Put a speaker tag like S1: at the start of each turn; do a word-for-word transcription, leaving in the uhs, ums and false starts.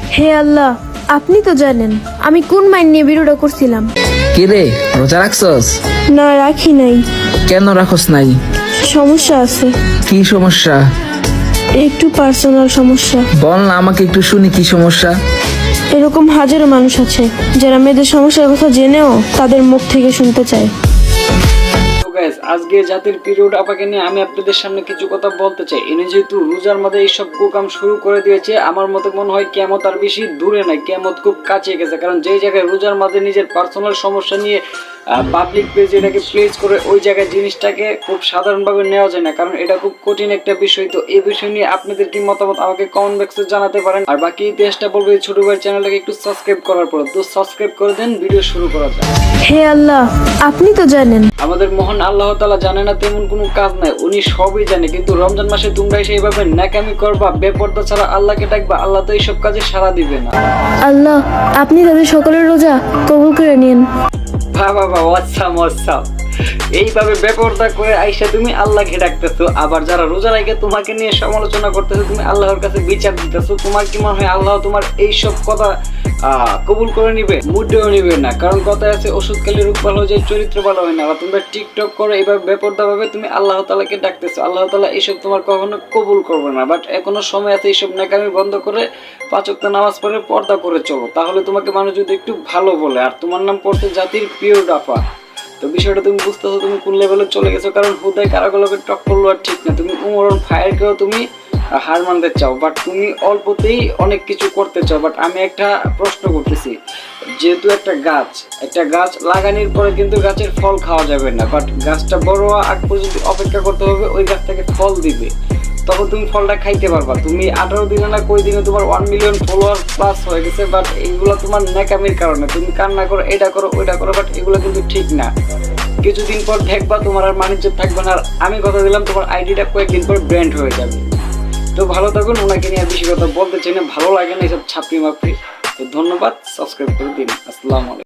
S1: হে আল্লাহ, আপনি তো জানেন আমি কোন মাইন নিয়ে ভিডিওটা করছিলাম।
S2: কি রে, রোজা রাখছস?
S1: না, রাখি নাই।
S2: কেন রাখস নাই?
S1: সমস্যা আছে,
S2: কি সমস্যা?
S1: একটু পার্সোনাল সমস্যা।
S2: বল না, আমাকে একটু শুনি কি সমস্যা।
S1: এরকম হাজারো মানুষ আছে যারা মেয়েদের সমস্যার কথা জেনেও তাদের মুখ থেকে শুনতে চায়।
S3: গাইস, আজকে জাতির পিরিয়ড আপাকে নিয়ে আমি আপনাদের সামনে কিছু কথা বলতে চাই। এনে যেহেতু রোজার মধ্যে এইসব কুকাম শুরু করে দিয়েছে, আমার মতে মনে হয় কিয়ামত আর বেশি দূরে নাই, কিয়ামত খুব কাছে গেছে। কারণ যেই জায়গায় রোজার মধ্যে নিজের পার্সোনাল সমস্যা নিয়ে পাবলিক পেজ এটাকে প্লেস করে, ওই জায়গায় জিনিসটাকে খুব সাধারণভাবে নেওয়া যায় না, কারণ এটা খুব কঠিন একটা বিষয়। তো এই বিষয় নিয়ে আপনাদের কি মতামত আমাকে কমেন্ট বক্সে জানাতে পারেন। আর বাকি ইতিহাসটা বলবো এই ছোট ভাইয়ের চ্যানেলটাকে একটু সাবস্ক্রাইব করার পর। তো সাবস্ক্রাইব করে দেন, ভিডিও শুরু করা যায়।
S1: হে আল্লাহ, আপনি তো জানেন।
S3: আমাদের মহান আল্লাহ তাআলা জানে না তেমন কোনো কাজ নাই, উনি সবই জানে। কিন্তু রমজান মাসে তোমরা এসে এইভাবে ন্যাকামি করবা, বেপরদা ছাড়া আল্লাহকে ডাকবা, আল্লাহ তো এইসব কাজে সাড়া দিবে না।
S1: আল্লাহ, আপনি তাদের সকলের রোজা কবুল করে নিন।
S3: বাবা বাবা, ওয়াসাম ওয়াসাম। এইভাবে বেপরদা করে আইসা তুমি আল্লাহকে ডাকতেছো, আবার যারা রোজা রাখে তোমাকে নিয়ে সমালোচনা করতেছো, তুমি আল্লাহর কাছে বিচার দিতেছো। তোমার কি মনে হয় আল্লাহ তোমার এইসব কথা আহ কবুল করে নিবে? মুটেও নিবে না। কারণ কথায় আছে, ওষুধ খেলে রূপ ভালো হয়ে যায়, চরিত্র ভালো হয় না। আর তোমরা টিকটক করে এইভাবে বেপরদা ভাবে তুমি আল্লাহ তাআলাকে ডাকতেছো, আল্লাহ তাআলা এইসব তোমার কখনো কবুল করবে না। বাট এখনো সময় আছে, এইসব নাকামি বন্ধ করে পাঁচ ওয়াক্ত নামাজ পড়ে পর্দা করে চলো, তাহলে তোমাকে মানুষ যদি একটু ভালো বলে। আর তোমার নাম পড়তে জাতির প্রিয় ডাফা, তো বিষয়টা তুমি বুঝতেছো তুমি কোন লেভেলে চলে গেছো। কারণ হুদায় কারাগুলোকে টক করলো আর ঠিক না। তুমি উমরন ফায়ারকেও তুমি হার মানতে চাও, বাট তুমি অল্পতেই অনেক কিছু করতে চাও। বাট আমি একটা প্রশ্ন করতেছি, যেহেতু একটা গাছ একটা গাছ লাগানোর পরে কিন্তু গাছের ফল খাওয়া যাবে না, বাট গাছটা বড় হওয়া আগ পর্যন্ত অপেক্ষা করতে হবে, ওই গাছ থেকে ফল দিবে, তখন তুমি ফলটা খাইতে পারবা। তুমি আঠারো দিনে না কই দিনে তোমার ওয়ান মিলিয়ন ফলোয়ার প্লাস হয়ে গেছে, বাট এইগুলো তোমার ন্যাকামির কারণে। তুমি কান্না করো, এটা করো, ওইটা করো, বাট এগুলো কিন্তু ঠিক না। কিছুদিন পর দেখবা তোমার আর বাণিজ্য থাকবে না। আর আমি কথা দিলাম, তোমার আইডিটা কয়েকদিন পর ব্র্যান্ড হয়ে যাবে। তো ভালো থাকুন, ওনাকে নিয়ে বেশি কথা বলতে চাই না, ভালো লাগে না এসব ছাপড়ি মাপড়ি। তো ধন্যবাদ, সাবস্ক্রাইব করে দিন। আসসালামু আলাইকুম।